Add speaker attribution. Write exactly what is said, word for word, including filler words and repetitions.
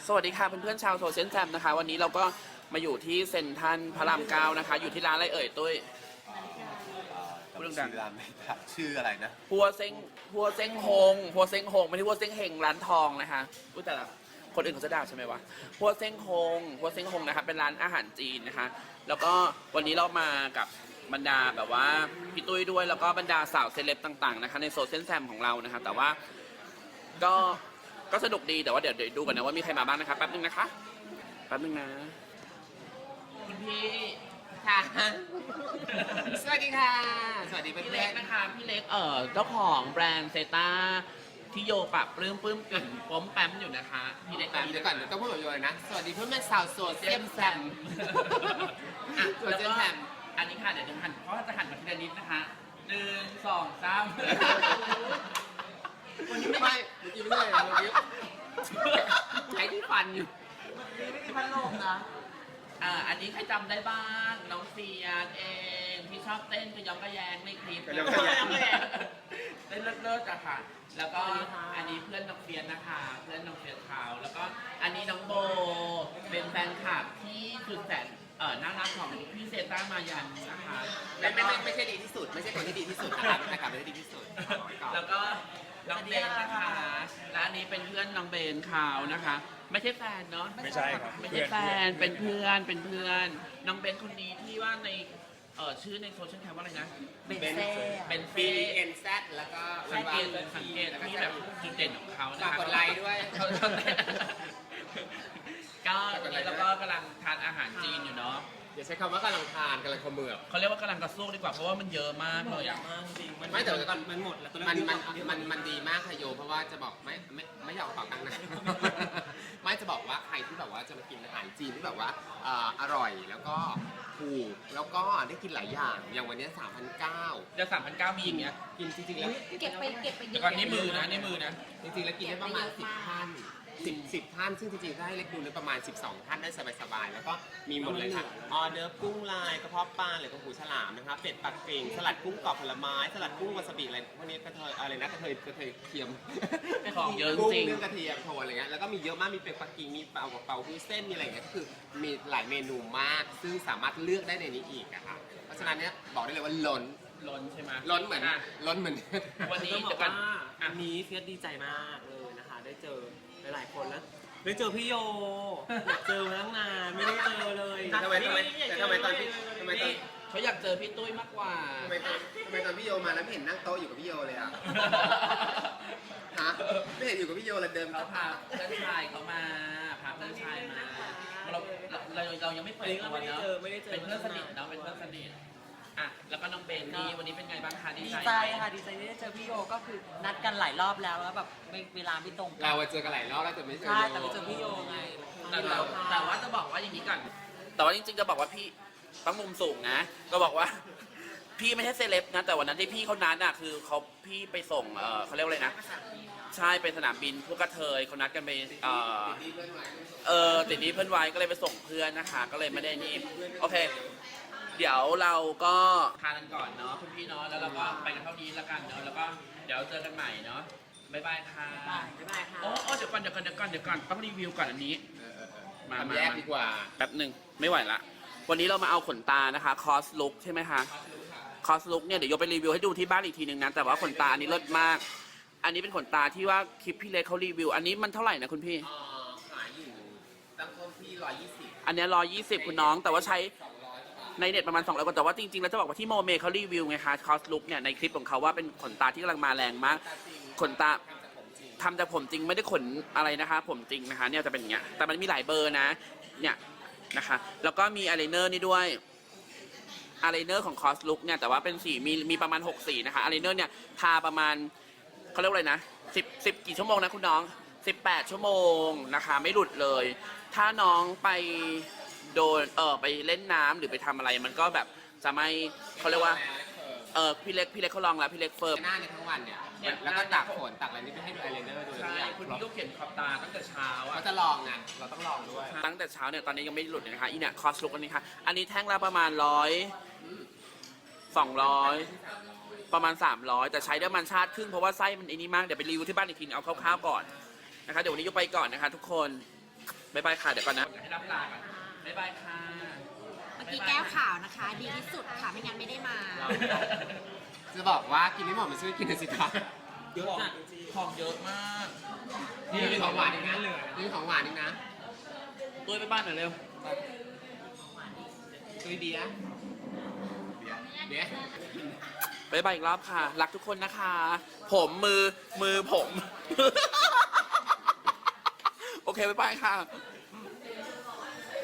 Speaker 1: สวัสดีค่ะเพื่อนๆชาวโซเชียลแซมนะคะวันนี้เราก็มาอยู่ที่เซ็นทรัลพระรามเก้านะคะอยู่ที่ร้านอะไรเอ่ยตุ้ย
Speaker 2: พูดดังๆร้านไม่ได้ชื่ออะไรนะ
Speaker 1: พัวเซ็งพัวเซ็งฮงพัวเซ็งฮงไม่ใช่พัวเซ็งเฮงร้านทองนะคะอุ้ยแต่ละคนอื่นเขาจะด่าใช่ไหมวะพัวเซ็งฮงพัวเซ็งฮงนะคะเป็นร้านอาหารจีนนะคะแล้วก็วันนี้เรามากับบรรดาแบบว่าพี่ตุ้ยด้วยแล้วก็บรรดาสาวเซเลบต่างๆนะคะในโซเชียลแซมของเรานะคะแต่ว่าก็ก็สนุกดีแต่ว่าเดี๋ยวดูกันนะว่ามีใครมาบ้างนะคะแป๊บนึงนะคะแป๊บนึงนะคุณพี่
Speaker 3: ค่ะ สวัสดีค่ะ สวัสดีเพื่
Speaker 1: พี่เล็
Speaker 3: อก น
Speaker 1: นะคะพี่เล็กเอ่อเจ้าของแบรนด์เซต้าที่โยปรับปลื้มปลื้มปิ่นป้มแป๊มอยู่นะคะพี่เล็ก
Speaker 3: ๆแบบเดี๋ยวก่อนเดี๋ยวต้องพูดแบบโยเลยนะ สวัสดีเพื่อนแม่สาวโสดเซียมแซม
Speaker 1: อ่ะ
Speaker 3: โซเชียลแซม
Speaker 1: อันนี้ค่ะเดี๋ยวจะหันเพราะว่าจะหันมาทีละนิดนะคะหนึ่งสองสาม
Speaker 3: วันนี้ไม่ไม่เมื่อกี้ไม่ได้เลยเมื่อกี้ใช้ที่ฟันอยู่ไม่มีพัดลมนะ
Speaker 1: อ่าอันนี้ใครจำได้บ้างน้องเฟียนเองที่ชอบเต้นกระยองกระแยงในคลิป
Speaker 2: กระยองกระแยง
Speaker 1: เต้นเลิศๆอะค่ะ แล้วก็อันนี้เพื่อนน้องเฟียนนะคะ เพื่อนน้องเฟียนเขาแล้วก็อันนี้น้องโบเป็นแฟนคลับที่สุดแสนเอ่อน่ารักของพี่เซต้ามายันนะคะ
Speaker 3: ไม่ไม่ไม่ไม่ใช่ดีที่สุด ไม่ใช่คนที่ดีที่สุดนะครับนะครับไม่ใช่ดีที่สุดเอาไว้ก่อน
Speaker 1: แล้วก็น้องเบนนะคะและอันนี้เป็นเพื่อนน้องเบนเขานะคะ ไม่ใช่แฟนเนาะ
Speaker 2: ไม่ใช่ครับ
Speaker 1: ไม่ใช่แฟนเป็นเพื่อนเป็นเพื่อนน้องเบนคนนี้ที่ว่าในเอ่อชื่อในโซเชียลแคมว่าอะไรนะ
Speaker 3: เบนเซ่
Speaker 1: เบน
Speaker 3: บี
Speaker 1: เซ่
Speaker 3: เอ็นแซดแล้วก็
Speaker 1: สังเกตสังเกตที่แบบจุดเด่นของเขานะ
Speaker 3: ฝาก
Speaker 1: คะ
Speaker 3: กดไลค์ด้วย
Speaker 1: เขาชอบเต้นก็ตอนนี้เราก็กำลังทานอาหารจีนอยู่เนาะ
Speaker 3: อย่าใช้คำว่ากำลังทานกำลังเขมือบ
Speaker 1: เขาเรียกว่ากำลังกระสู้ดีกว่าเพราะว่ามันเยอะมากเลยอ่ะ
Speaker 3: ไม่แต่ว่าก่อนมันหมดแล้วมันมันมันมันดีมากค่ะโยเพราะว่าจะบอกไม่ไม่ไม่อยากเอาตังค์นะ ไม่จะบอกว่าใครที่แบบว่าจะมากินอาหารจีนที่แบบว่าเอ่ออร่อยแล้วก็ถูกแล้วก็ได้กินหลายอย่างอย่างวันนี้สามพันเก้า
Speaker 1: จะสามพันเก้ามีอย่างเงี้ย
Speaker 3: กินจริงๆแล้ว
Speaker 4: เก็บไปเก็บไปเย
Speaker 1: แต่
Speaker 4: อะ
Speaker 1: ก่อนนี่มือนะนี่มือนะ
Speaker 3: จริงๆแล้วกินได้ประมาณสิบท่านสิบสิบท่านซึ่งจริงๆถ้าให้เล็กดูเนี่ยประมาณสิบสองท่านได้สบายๆแล้วก็มีหมดเลยค่ะออเดอร์กุ้งลายกระเพาะปลาหรือกระหูฉลามนะคะเป็ดปักกิ่งสลัดกุ้งกรอบผลไม้สลัดกุ้งวาซาบิอะไรพวกนี้กระเทยอะไรนะกระเทยกระเทยเทียม
Speaker 1: ของเยอะจ
Speaker 3: กุ้ง
Speaker 1: ริง
Speaker 3: เรื่องกระเทียมโทนอะไรเงี้ยแล้วก็มีเยอะมากมีเป็ดปักกิ่งมีเปาเปาฮู้เส้นมีอะไรเงี้ยก็คือมีหลายเมนูมาก ซึ่งสามารถเลือกได้ในนี้อีกอะค่ะเพราะฉะนั้นเนี่ยบอกได้เลยว่าล้น
Speaker 1: ล้นใช่ไหม
Speaker 3: ล้นเหมือน
Speaker 1: อ่ะ
Speaker 3: ล้นเหมือน
Speaker 1: วันนี้
Speaker 5: ต้องบ
Speaker 1: เดี๋
Speaker 5: อย ก
Speaker 1: วก่อ
Speaker 5: ว่าน อันนี้เฟียสดีใจมากเลยนะคะ ได้เจอหลายๆคนแล้ว ได้เจอพี่โยอยากเจอมาตั้งนานไม่ได้เจอเลย
Speaker 3: ทำไมทำไมแต่ทำไมตอนพี่ทำไมตอน
Speaker 1: เขาอยากเจอพี่ตุ้ยมากกว่า
Speaker 3: ทำไมตอนทำไมตอนพี่โยมาแล้วไม่เห็นนั่งโต๊ะอยู่กับพี่โยเลยอ่ะ ฮะไม่เห็นอยู่กับพี่โยเลยเดิน
Speaker 1: เขาพาเพื่อนชายเขามาพาเพื่อนชายมาเราเราเราเรายังไม่เปิดตัวเนาะเป็นเพื่อนสนิทเนาะเป็นเพื่อนสนิทอ่ะแล้วก็น้องเบนนี่วันนี้เป็นไงบ้างคะดี
Speaker 5: ดี
Speaker 1: ใจ
Speaker 5: ใจค่ะดีใจที่ได้เจอพี่โยก็คือนัดกันหลายรอบแล้วแล้วแบบเวลาไม่ตรงกั
Speaker 3: เราอะเจอกันหลายรอบแล้วแต่ไม่เจอ
Speaker 5: ใช่
Speaker 3: โย
Speaker 5: แต่ไปเจอพี่โยไง
Speaker 1: แต่แต่แต่ว่าจะบอกว่าอย่างนี้ก่อนแต่ว่าจริงๆจะบอกว่าพี่ต้องมุมสูงนะ ก็บอกว่า พี่ไม่ใช่เซเลบนะแต่วันนั้นที่พี่เขานัดอ่ะคือเขาพี่ไปส่งเออเขาเรียกว่าอะไรนะใช่ไปสนามบินพวกกระเทยเขานัดกันไปเออเออติดนี้เพื่อนไว้ก็เลยไปส่งเพื่อนนะคะ ก็เลยไม่ได้นี่โอเค เดี๋ยวเราก็ทานกันก่อนเนาะคุณพี่เนาะแล้วเราก็ไปกันเท่านี้แล้วกันเนาะแล้วก็เดี๋ยวเจอกันใหม่เนาะบ๊ายบายค่ะ
Speaker 5: บ๊ายบายค่ะ
Speaker 1: โอ้โอ้เดี๋ยวก่อนเดี๋ยวก่อนเดี๋ยวก่อนเดี๋ยวก่อนต้องรีวิวก่อนอันนี้
Speaker 3: เออเออเออ
Speaker 1: มา
Speaker 3: ทำแยกดีกว่า
Speaker 1: แป๊บหนึ่งไม่ไหวละวันนี้เรามาเอาขนตานะคะคอสลุกใช่ไหมคะคอสลุกเนี่ยเดี๋ยวยกไปรีวิวให้ดูที่บ้านอีกทีหนึ่งนะแต่ว่าขนตาอันนี้เลิศมาก อันนี้เป็นขนตาที่ว่าคลิปพี่เล็กเขารีวิว อันนี้มันเท่าไหร่นะคุณพี่
Speaker 3: เอ่อขายอยู่ตั้งต้นที่ร้อยยี่สิบ
Speaker 1: อันเนี้ร้อยยี่สิบคุณน้องแต่ว่าใช้
Speaker 3: สองร้อยบาท
Speaker 1: ในเน็ตประมาณสองร้อยกว่าแต่ว่าจริงๆแล้วจะบอกว่าที่โมเมเขารีวิวไงคะคอสลุกเนี่ยในคลิปของเขาว่าเป็นขนตาที่กำลังมาแรงมาก
Speaker 3: แต่จริง
Speaker 1: ขนตา
Speaker 3: ทำจากผมจริง
Speaker 1: ทำจากผมจริงไม่ได้ขนอะไรนะคะผมจริงนะคะเนี่ยจะเป็นอย่างเงี้ยแต่มันมีหลายเบอร์นะเนี่ยนะคะแล้วก็มีอายไลเนอร์นี่ด้วยอายไลเนอร์ของคอสลุกเนี่ยแต่ว่าเป็นสีมีมีประมาณหกสีนะคะอายไลเนอร์เนี่ยทาประมาณเขาเรียกว่าอะไรนะสิบสิบกี่ชั่วโมงนะคุณน้องสิบแปดชั่วโมงนะคะไม่หลุดเลย ถ้าน้องไปโดนเออไปเล่นน้ำหรือไปทำอะไรมันก็แบบจะไม่เขาเรียกว่าเออพี่เล็กพี่เล็กเขาลองแล้วพี่เล็กเฟิร์ม
Speaker 3: หน้าเนี่ยทั้งวันเนี่ย
Speaker 1: เนี่ย
Speaker 3: แล้วก็ตักฝนตักอะไรนี่ไปให้ดูไอเลนเนอร์ดูทุก
Speaker 1: ใช่
Speaker 3: อย่าง
Speaker 1: คุณพี่ก็เขียนขอบตาตั้งแต่เช้าอ่ะ
Speaker 3: เขาจะลองไงเราต้องลองด้วย
Speaker 1: ตั้งแต่เช้าเนี่ยตอนนี้ยังไม่หลุดเลยนะคะอีเนี่ยคอสลุกอันนี้ค่ะอันนี้แท่งละประมาณร้อยสองร้อยประมาณสามร้อยแต่ใช้ได้ประมาณชาติครึ่งเพราะว่าไส้มันไอ้นี่มากเดี๋ยวไปรีวิวที่บ้านอีกทีเอาคร่าวๆก่อนนะคะเดี๋ยววันนี้ยกไปก่อนนะคะทุกคนบ๊ายบายค่ะ เดี๋ยวก่อนนะให้รับลาก่อนบ๊ายบายค่ะ
Speaker 4: เมื่อกี้แก้วขาวนะคะ ดีที่สุดค่ะ ไม่งั้นไม่ได้มา
Speaker 3: จะบอกว่ากินไม่หมดมันช่วยกินหน่อยสิคะ
Speaker 5: เยอะจัดจริง
Speaker 1: ของเยอะมาก
Speaker 3: นี่มีของหวานอีกนะเหลือนี่ของหวานอีกนะ
Speaker 1: ตุ้ยไปบ้านหน่อยเร็ว
Speaker 3: ตุยเบียร์เบียร์
Speaker 1: บ๊ายบายอีกรอบค่ะ รักทุกคนนะคะ ผมมือมือผม โอเคบ๊ายบายค่ะ